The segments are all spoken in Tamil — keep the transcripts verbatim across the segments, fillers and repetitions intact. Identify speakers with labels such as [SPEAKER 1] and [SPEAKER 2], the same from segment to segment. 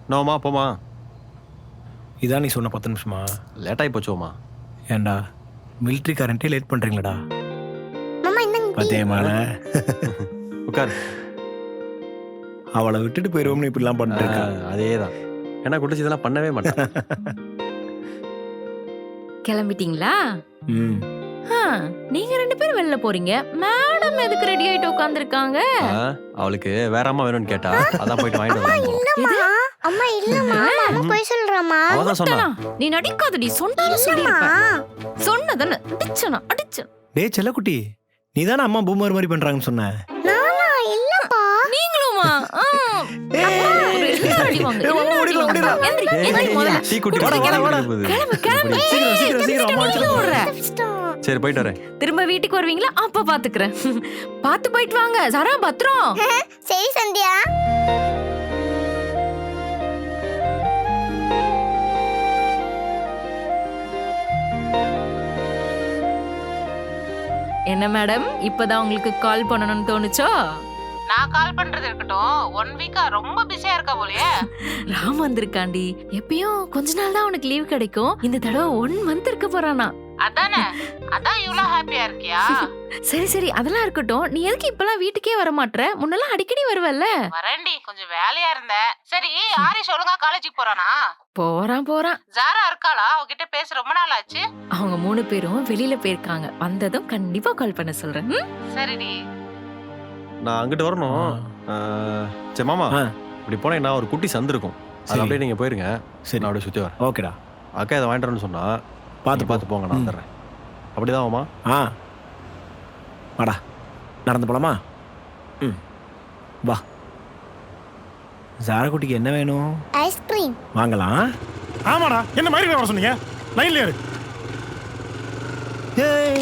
[SPEAKER 1] நோமா போமா.
[SPEAKER 2] இதான் நீ சொன்ன பத்து நிமிஷமா?
[SPEAKER 1] லேட்டாகி போச்சோமா.
[SPEAKER 2] ஏண்டா மிலிட்ரி கரண்ட்டே லேட் பண்ணுறீங்களாடா?
[SPEAKER 3] மாமா இந்தங்க டீ.
[SPEAKER 2] பத்தியமான
[SPEAKER 1] உட்கார்.
[SPEAKER 2] அவளை விட்டுட்டு போயிடுவோம்னு இப்படிலாம் பண்ணிட்டு இருக்கா.
[SPEAKER 1] அதே தான். ஏன்னா குடிச்சு இதெல்லாம் பண்ணவே மாட்டேன்.
[SPEAKER 4] கிளம்பிட்டீங்களா?
[SPEAKER 2] ம்
[SPEAKER 4] ஆ, நீங்க ரெண்டு பேரும் வெளில போறீங்க, மேடம் எதுக்கு ரெடி ஆயிட்டு உட்கார்ந்திருக்காங்க?
[SPEAKER 1] அவளுக்கு வேற அம்மா வேணும்னு கேட்டா அதான் போயிட்டு வாங்கிட்டு வரலாம்.
[SPEAKER 3] இல்லம்மா அம்மா இல்லம்மா மாமா போய் சொல்றமா.
[SPEAKER 1] அவதான் சொன்னா.
[SPEAKER 4] நீ நடிக்காதடி, சொன்னாலும் சொல்லிருப்பேன். சொன்னதானே அடிச்சனா அடிச்ச.
[SPEAKER 2] டேய் செல்லக்குட்டி, நீ தானே அம்மா பூமர் மாதிரி பண்ணுறாங்கன்னு சொன்ன.
[SPEAKER 3] நானா இல்லப்பா.
[SPEAKER 4] நீங்களுமா? ஆ. ஒரு எல்லாரும் அடி வாங்க, எல்லாரும் அடி வாங்க. எந்திரி, எந்திரி முதல்ல.
[SPEAKER 1] டீ குட்டி
[SPEAKER 2] வாடா, வாடா, வாடா.
[SPEAKER 4] கிளம்பு, கிளம்பு.
[SPEAKER 2] சீக்கிரம், சீக்கிரம், சீக்கிரம், அம்மா
[SPEAKER 4] எங்க ஓடுற?
[SPEAKER 1] சரி போயிட்டு வரேன்.
[SPEAKER 4] திரும்ப வீட்டுக்கு வருவீங்களா? அப்ப பாத்துக்கிறேன். பாத்து போயிட்டு வாங்க. சரா பத்திரம்.
[SPEAKER 3] சரி சந்தியா.
[SPEAKER 4] என்ன மேடம், இப்பதான் உங்களுக்கு கால் பண்ணணும்னு தோணுச்சோ?
[SPEAKER 5] நான் கால் பண்றது இருக்கட்டும், ஒன் வீக்கா ரொம்ப பிஸியா இருக்கா போலயே.
[SPEAKER 4] ராம் வந்திருக்காண்டி. எப்பயும் கொஞ்ச நாள் தான் அவனுக்கு லீவ் கிடைக்கும். இந்த தடவை ஒன் மந்த் இருக்க போறானா.
[SPEAKER 5] அதானே, அதான் இவ்வளவு ஹாப்பியா இருக்கியா?
[SPEAKER 4] சரி சரி, அதெல்லாம் இருக்கட்டும். நீ எதுக்கு இப்பெல்லாம் வீட்டுக்கே வர மாட்ற? முன்னெல்லாம் அடிக்கடி வருவல்ல.
[SPEAKER 5] வரேன்டி, கொஞ்சம் வேலையா இருந்தேன். சரி, ஆரிஷ் ஒழுங்கா காலேஜுக்கு போறானா?
[SPEAKER 4] போறான் போறான்.
[SPEAKER 5] ஜாரா இருக்காளா? அவகிட்ட பேச ரொம்ப நாள் ஆச்சு.
[SPEAKER 4] அவங்க மூணு பேரும் வெளியில போயிருக்காங்க. வந்ததும் கண்டிப்பா கால் பண்ண சொல்றேன். ம்?
[SPEAKER 5] சரிடி.
[SPEAKER 1] நான் அங்கிட்டு வரணும். சரி மாமா,
[SPEAKER 2] ஆ.
[SPEAKER 1] இப்படி போனேன் நான் ஒரு குட்டி சந்து இருக்கும். அது
[SPEAKER 2] சரி.
[SPEAKER 1] அப்படியே நீங்க போயிருங்க.
[SPEAKER 2] சரி
[SPEAKER 1] நான் அப்படியே சுத்தி வரேன்.
[SPEAKER 2] ஓகேடா,
[SPEAKER 1] அக்கா இதை வாங்கிட்டு வரேன்னு சொன்னா
[SPEAKER 2] பார்த்து
[SPEAKER 1] பார்த்து பார்த்து போங்க, நான்
[SPEAKER 2] ம்.
[SPEAKER 1] வந்துடுறேன். அப்படிதான் மாமா.
[SPEAKER 2] ஆ வாடா, நடந்து போலாமா? ம் வா. ஜாரா குட்டிக்கு என்ன வேணும்?
[SPEAKER 3] ஐஸ்கிரீம்.
[SPEAKER 2] வாங்கலாம்.
[SPEAKER 6] ஆமாடா, என்ன மாதிரி வர சொன்னீங்க? லைன்ல இரு.
[SPEAKER 2] ஏய்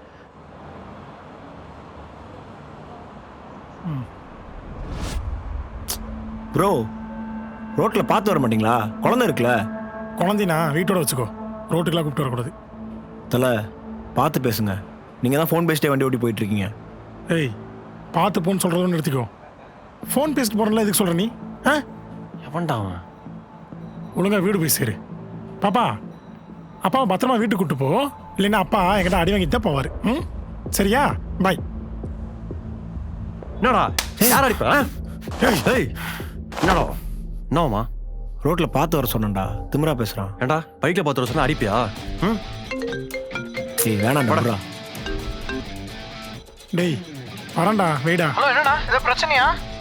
[SPEAKER 2] ப்ரோ, ரோட்ல பார்த்து வர மாட்டீங்களா? குழந்தை இருக்குல்ல.
[SPEAKER 6] குழந்தைனா வீட்டோட வச்சுக்கோ, ரோட்டுக்கெல்லாம் கூப்பிட்டு வரக்கூடாது.
[SPEAKER 2] தலை பார்த்து பேசுங்க. நீங்கள் தான் ஃபோன் பேசிட்டே வண்டி ஓட்டி போயிட்டு இருக்கீங்க.
[SPEAKER 6] ஏய், பார்த்து போன்னு சொல்கிறதுன்னு நிறுத்திக்கோ. ஃபோன் பேசிட்டு போகிறல எதுக்கு சொல்கிற நீ? ஆ,
[SPEAKER 1] எவன்டா அவன்?
[SPEAKER 6] ஒழுங்கா வீடு போய் சேரு. பாப்பா, அப்பாவை பத்திரமா வீட்டுக்கு கூட்டு போ, இல்லைன்னா அப்பா என்கிட்ட அடி வாங்கிட்டு தான் போவார். ம், சரியா? பாய்.
[SPEAKER 1] என்னடா யார் அடிப்பா?
[SPEAKER 6] ஏய்,
[SPEAKER 1] ஏய் என்னடா என்னவாமா?
[SPEAKER 2] ரோட்டில் பார்த்து வர சொன்னேன்டா, திமிரா பேசுகிறான்.
[SPEAKER 1] ஏண்டா பைக்கில் பார்த்து வர சொன்னா அடிப்பியா? ம்,
[SPEAKER 2] ஏய் வேணாம்
[SPEAKER 1] போடா.
[SPEAKER 2] நம்புறா.
[SPEAKER 6] டேய் வரேன்டா, வெயிடா.
[SPEAKER 7] ஹலோ, என்னடா இது பிரச்சனையா?